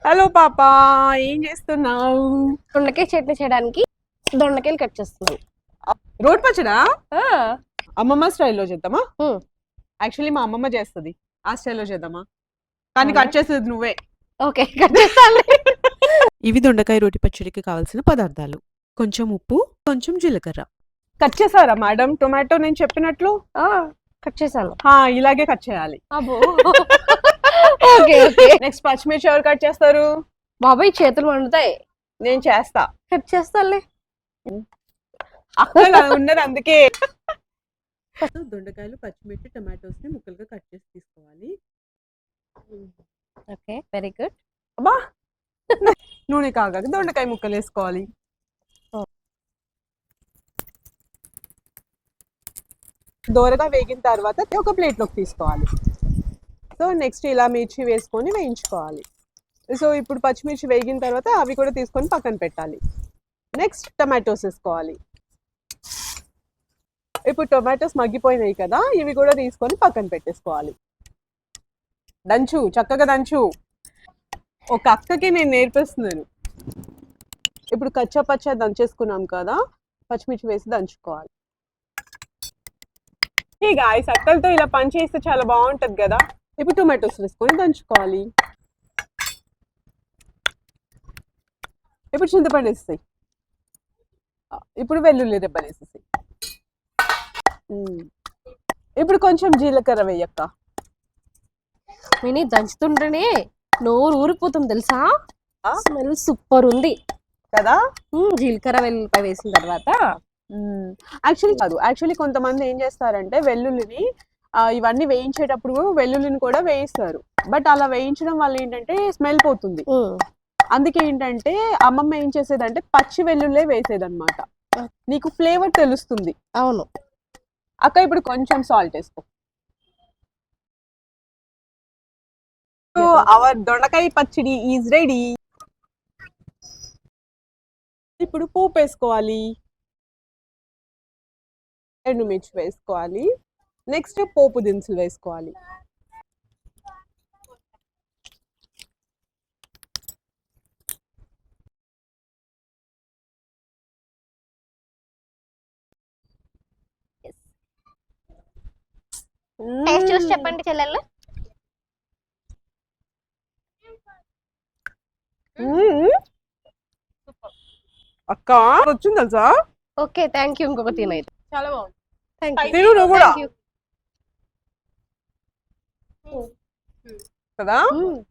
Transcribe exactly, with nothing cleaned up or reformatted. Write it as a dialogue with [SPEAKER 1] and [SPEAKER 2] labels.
[SPEAKER 1] Hello పాపా, ఏం చేస్తున్నావు?
[SPEAKER 2] దొండకాయ చట్నీ చేయడానికి దొండకాయలు కట్ చేస్తున్నాను.
[SPEAKER 1] రోడ్ పచ్చడా?
[SPEAKER 2] ఆ,
[SPEAKER 1] అమ్మమ్మ స్టైల్లో చేద్దామా?
[SPEAKER 2] ఉమ్,
[SPEAKER 1] యాక్చువల్లీ మా అమ్మమ్మ చేస్తుంది, ఆ స్టైల్లో చేద్దామా? కానీ
[SPEAKER 2] అవునా?
[SPEAKER 1] కట్ చేసేది నువ్వే.
[SPEAKER 2] ఓకే కట్ చేస్తాను.
[SPEAKER 3] ఇవి దొండకాయ రోటి పచ్చడికి కావాల్సిన పదార్థాలు. కొంచెం ఉప్పు, కొంచెం జీలకర్ర.
[SPEAKER 1] కట్ చేసారా మేడం టొమాటో నేను చెప్పినట్లు?
[SPEAKER 2] ఆ, కట్ చేశాను.
[SPEAKER 1] హా, ఇలాగే కట్ చేయాలి.
[SPEAKER 2] అబ్బో ఓకే ఓకే.
[SPEAKER 1] నెక్స్ట్ పచ్చిమిర్చి ఎవరు కట్ చేస్తారు?
[SPEAKER 2] బాబాయ్ చేతులు వండుతాయి.
[SPEAKER 1] నేను చేస్తా.
[SPEAKER 2] కట్ చేస్తానులే.
[SPEAKER 1] అక్కడ ఉన్నది అందుకే.
[SPEAKER 3] దొండకాయలు, పచ్చిమిర్చి, టమాటోస్ ని ముక్కలుగా కట్ చేసి తీసుకోవాలి.
[SPEAKER 2] Okay very good.
[SPEAKER 1] అబ్బా, నూనె కాగాక దొండకాయ ముక్కలు వేసుకోవాలి. దోరగా వేగిన తర్వాత ఒక ప్లేట్లోకి తీసుకోవాలి. సో నెక్స్ట్ ఇలా మిర్చి వేసుకొని వేయించుకోవాలి. సో ఇప్పుడు పచ్చిమిర్చి వేగిన తర్వాత అవి కూడా తీసుకొని పక్కన పెట్టాలి. నెక్స్ట్ టమాటోస్ వేసుకోవాలి. ఇప్పుడు టొమాటోస్ మగ్గిపోయినాయి కదా, ఇవి కూడా తీసుకొని పక్కన పెట్టేసుకోవాలి. దంచు, చక్కగా దంచు. ఒక అక్కకి నేను నేర్పిస్తున్నాను. ఇప్పుడు కచ్చా పచ్చా దంచేసుకున్నాం కదా, పచ్చిమిర్చి వేసి దంచుకోవాలి. ఈ గాయస్ అక్కలతో ఇలా పని చేస్తే చాలా బాగుంటది కదా. ఇప్పుడు టొమాటోస్ వేసుకొని దంచుకోవాలి. ఇప్పుడు చింతపండు వేస్తాయి. ఇప్పుడు వెల్లుల్లి రెబ్బలు వేసేసాయి. ఇప్పుడు కొంచెం జీలకర్ర వేయక్క.
[SPEAKER 2] మినీ దంచుతుంటేనే నోరు ఊరిపోతుంది తెలుసా. స్మెల్ సూపర్ ఉంది
[SPEAKER 1] కదా.
[SPEAKER 2] ఉమ్, జీలకర్ర వెల్లుల్లిపాయ వేసిన తర్వాత
[SPEAKER 1] యాక్చువల్లీ కాదు, యాక్చువల్లీ కొంతమంది ఏం చేస్తారంటే వెల్లుల్లిని ఇవన్నీ వేయించేటప్పుడు వెల్లుల్లిని కూడా వేయిస్తారు. బట్ అలా వేయించడం వల్ల ఏంటంటే స్మెల్ పోతుంది. అందుకే ఏంటంటే అమ్మమ్మ ఏం చేసేదంటే పచ్చి వెల్లుల్లే వేసేదన్నమాట. నీకు ఫ్లేవర్ తెలుస్తుంది.
[SPEAKER 2] అవును
[SPEAKER 1] అక్క. ఇప్పుడు కొంచెం సాల్ట్ వేసుకో. సో అవర్ దొండకాయ పచ్చడి ఈజ్ రెడీ. ఇప్పుడు పోపు వేసుకోవాలి. ఎండుమిర్చి వేసుకోవాలి. నెక్స్ట్ పోపు దినుసులు వేసుకోవాలి.
[SPEAKER 2] టేస్ట్ చూసి చెప్పండి చెల్లెళ్ళు.
[SPEAKER 1] అక్క వచ్చింది తెలుసా.
[SPEAKER 2] Okay thank you. ఇంకొక తినైతే
[SPEAKER 1] చాలా బాగుంది.
[SPEAKER 2] Thank you.
[SPEAKER 1] తిను నువ్వు కూడా కదా.